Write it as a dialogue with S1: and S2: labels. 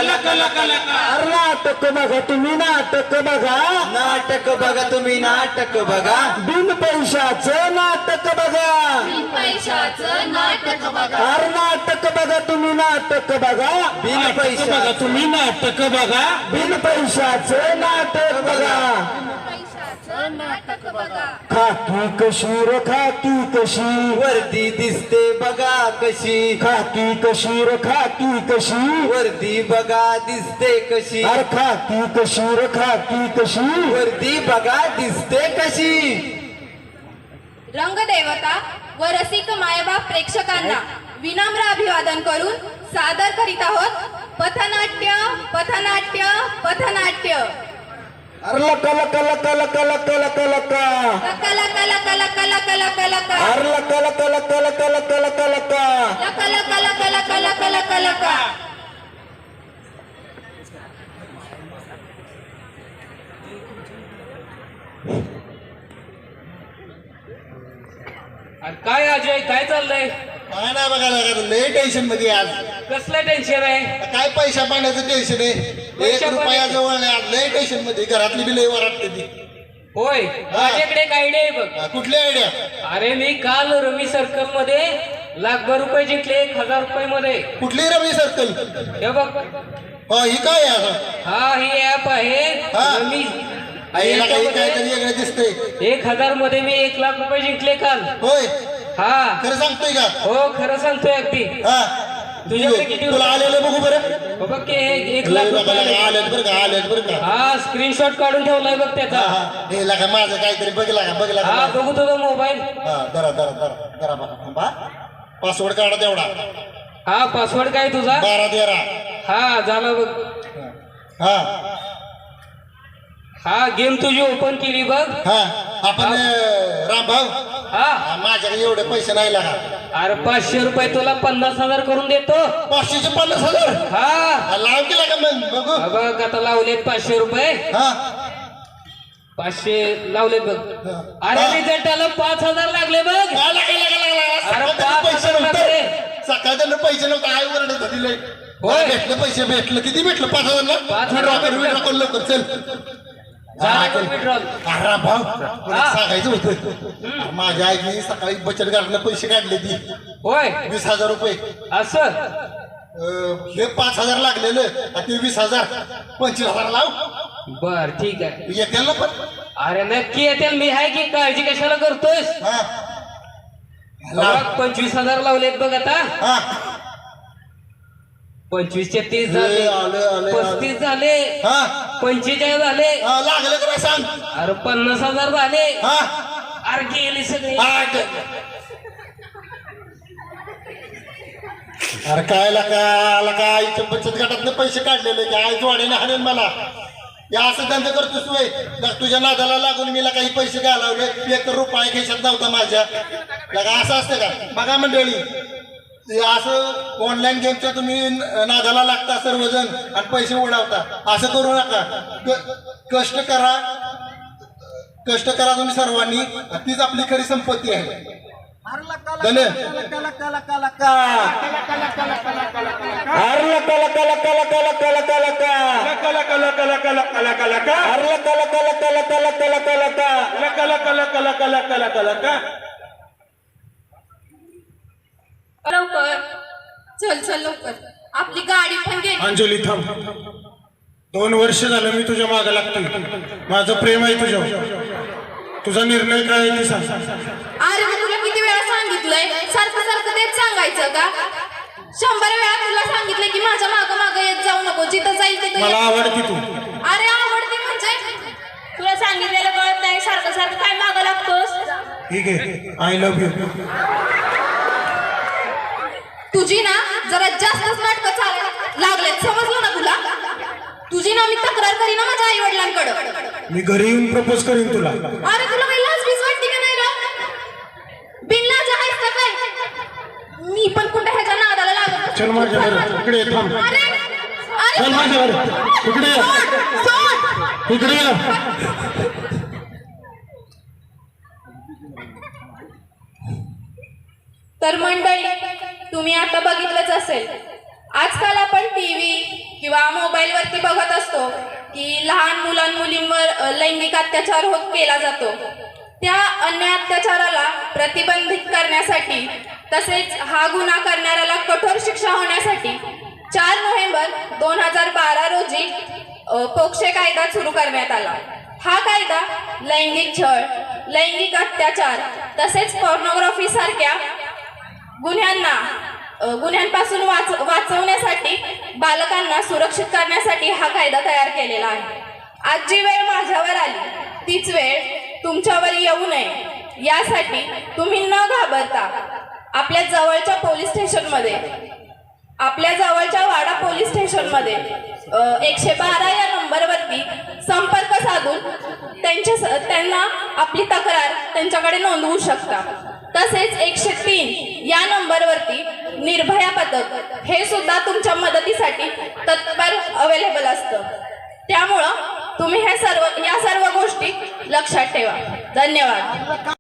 S1: नाटक बघा तुम्ही नाटक बघा
S2: नाटक बघा तुम्ही नाटक बघा
S1: बिन पैशाचं नाटक बघा
S3: पैशाचं नाटक बघा
S1: अरे नाटक बघा तुम्ही नाटक बघा
S2: बिन पैसा
S1: तुम्ही नाटक बघा बिन पैशाचं नाटक बघा
S3: पैशाचं नाटक बघा
S1: खाकी कशी र खाकी कशी
S2: वर्दी दिसते बघा कशी
S1: खाकी कशी र खाकी कशी
S2: वर्दी बघा दिसते कशी
S1: अरे खाकी कशी र खाकी कशी
S2: वर्दी बघा दिसते कशी
S3: रंगदेवता व रसिक मायबाप प्रेक्षकांना विनम्र अभिवादन करून सादर करीत आहोत पथनाट्य पथनाट्य पथनाट्य
S1: अरे लका लका लका लका लका लका लका
S3: कला कला कला कला कला कला कला
S1: अरे लका लका लका लका लका लका लका
S3: कला कला कला कला कला कला कला
S4: अरे काय अजय काय चाललंय
S5: काय नाही बघायला लागत लय टेन्शन मध्ये आज
S4: कसलं टेन्शन आहे
S5: काय पैसा पाण्याचं टेन्शन आहे एक रुपया जवळ नाही आज लय टेन्शन मध्ये घरातली बी लय वराटते ती
S4: होय माझ्याकडे एक आयडिया आहे बघ
S5: कुठली आयडिया
S4: अरे मी काल रमी सर्कल मध्ये लाखभर रुपये जिंकले 1000 रुपये मध्ये
S5: कुठली रमी सर्कल
S4: हे बघ
S5: ही काय आहे आता
S4: हा ही ऍप आहे
S5: हा.
S4: रमी
S5: याला काही काहीतरी वेगळं दिसतंय
S4: 1000 मध्ये मी 1 लाख रुपये जिंकले काल
S5: होय
S4: हा
S5: खरं सांगतोय का
S4: हो खरं सांगतोय अगदी
S5: हा
S4: तुझ्याकडे किती
S5: तुला आलेलं बघू बरं
S4: हो बघ की 1 लाख रुपये आले.
S5: आलेत बरं का आलेत बरं का
S4: हा स्क्रीनशॉट काढून ठेवलाय बघ त्याचा
S5: हे लागा माझं काहीतरी बघला
S4: हा बघू तुझा मोबाईल
S5: हा दरा बघा पासवर्ड काढा तेवढा
S4: हा पासवर्ड काय तुझा
S5: 12
S4: हा झालं बघ
S5: हा
S4: हा गेम तुझी ओपन केली बघ
S5: हा आपण रामभाऊ
S4: हा
S5: माझ्याकडे एवढे पैसे नाही लागा
S4: अरे 500 रुपये तुला 50,000 करून देतो
S5: 500चे 50,000
S4: हा
S5: लाव केला का मग बघू
S4: हा बघ आता लावलेत 500 रुपये
S5: हा
S4: 500 लावलेत बघ अरे रिझल्टाला 5,000 लागले बघ अरे 5,000 लागले
S5: सकाळ त्यांना पैसे नव्हते आई वरडत होती लय
S4: होय.
S5: भेटलं पैसे भेटलं किती भेटलं 5,000 ला
S4: 5,000
S5: विड्रॉ लवकर चल
S4: झालं withdrawal.
S5: अरे भाऊ तुला सांगायचं होतं माझ्या आईने सकाळी बचत गटाला पैसे काढले ती
S4: होय
S5: 20,000 रुपये
S4: असं
S5: हे 5,000 लागलेलं आणि ते 20,000 25,000 लाव
S4: बर ठीक आहे
S5: येतील ना पण
S4: अरे नक्की येतील मी आहे की काळजी कशाला करतोस
S5: हा
S4: बघ 25,000 लावलेत बघ आता
S5: हा
S4: 25 चे 30 झाले
S5: आले
S4: 35 झाले
S5: हा
S4: 45 झाले
S5: लागलं का सांग
S4: अरे 50,000 झाले
S5: हा
S4: अरे गेले सगळे
S5: अरे काय लका आईच्या बचत गटातले पैसे काढलेले की आई जोडीने हाणेल मला या असं धंदे करतोस तू तुझ्या नादाला लागून मी काही पैसे घालवले 1 रुपया खिशात नव्हता माझ्या लगा असं असतं का बघा मंडळी असं ऑनलाईन गेमच्या तुम्ही नादाला लागता सर्वजण आणि पैसे उडवता असं करू नका कष्ट करा तुम्ही सर्वांनी तीच आपली खरी संपत्ती आहे धन्य
S3: लवकर चल लवकर आपली गाडी पण गेली
S6: अंजली थांब 2 वर्ष झालं मी तुझ्या मागे लागतोय माझं प्रेम आहे तुझ्यावर तुझा निर्णय काय आहे ते सांग
S3: अरे मी तुला किती वेळा सांगितलंय सारखं तेच सांगायचं का 100 वेळा तुला सांगितलंय की माझ्या मागं येत जाऊ नको जिथं जाईल तिथं
S6: मला आवडते तू
S3: अरे आवडते म्हणजे तुला सांगितलेलं कळत नाही सारखं काय मागं लागतोस
S6: ठीक आहे आय लव्ह यू
S3: तुझी ना जरा जास्तच नाटकं चालायला लागलेत समजलं ना तुला तुझी ना मी तक्रार करीन ना माझ्या आई वडिलांकडे
S6: मी घरी येऊन प्रपोज करीन तुला
S3: अरे तुला काही लाज बीज वाटते का नाही रे बिनलाज आहेस का काय मी पण कुठे ह्याच्या नादाला लागत
S6: चल माझ्या बरोबर इकडे ये, थांब
S3: अरे
S6: चल माझ्या बरोबर इकडे ये.
S3: सोड
S6: इकडे ये.
S3: तर मंडळी तुम्ही आता बघितलंच असेल आजकाल आपण टीव्ही किंवा मोबाईलवरती बघत असतो की लहान मुलांमुलींवर लैंगिक अत्याचार केला जातो, त्या अन्याय अत्याचाराला प्रतिबंधित करण्यासाठी तसेच हा गुन्हा करणाऱ्याला कठोर शिक्षा होण्यासाठी 4 नोव्हेंबर 2012 रोजी पोक्सो कायदा सुरू करण्यात आला. हा कायदा लैंगिक छळ, लैंगिक अत्याचार तसेच पॉर्नोग्राफी सारख्या गुन्ह्यांपासून वाचवण्यासाठी, बालकांना सुरक्षित करण्यासाठी हा कायदा तयार केलेला आहे. आज जी वेळ माझ्यावर आली तीच वेळ तुमच्यावर येऊ नये यासाठी तुम्ही न घाबरता आपल्या जवळच्या पोलीस स्टेशनमध्ये, आपल्या जवळच्या वाडा पोलीस स्टेशनमध्ये 112 या नंबरवरती संपर्क साधून त्यांना आपली तक्रार त्यांच्याकडे नोंदवू शकता. तसेच 103 या नंबरवरती निर्भया पथक हे सुद्धा तुमच्या मदतीसाठी तत्पर अवेलेबल असतं. त्यामुळं तुम्ही या सर्व गोष्टी लक्षात ठेवा. धन्यवाद.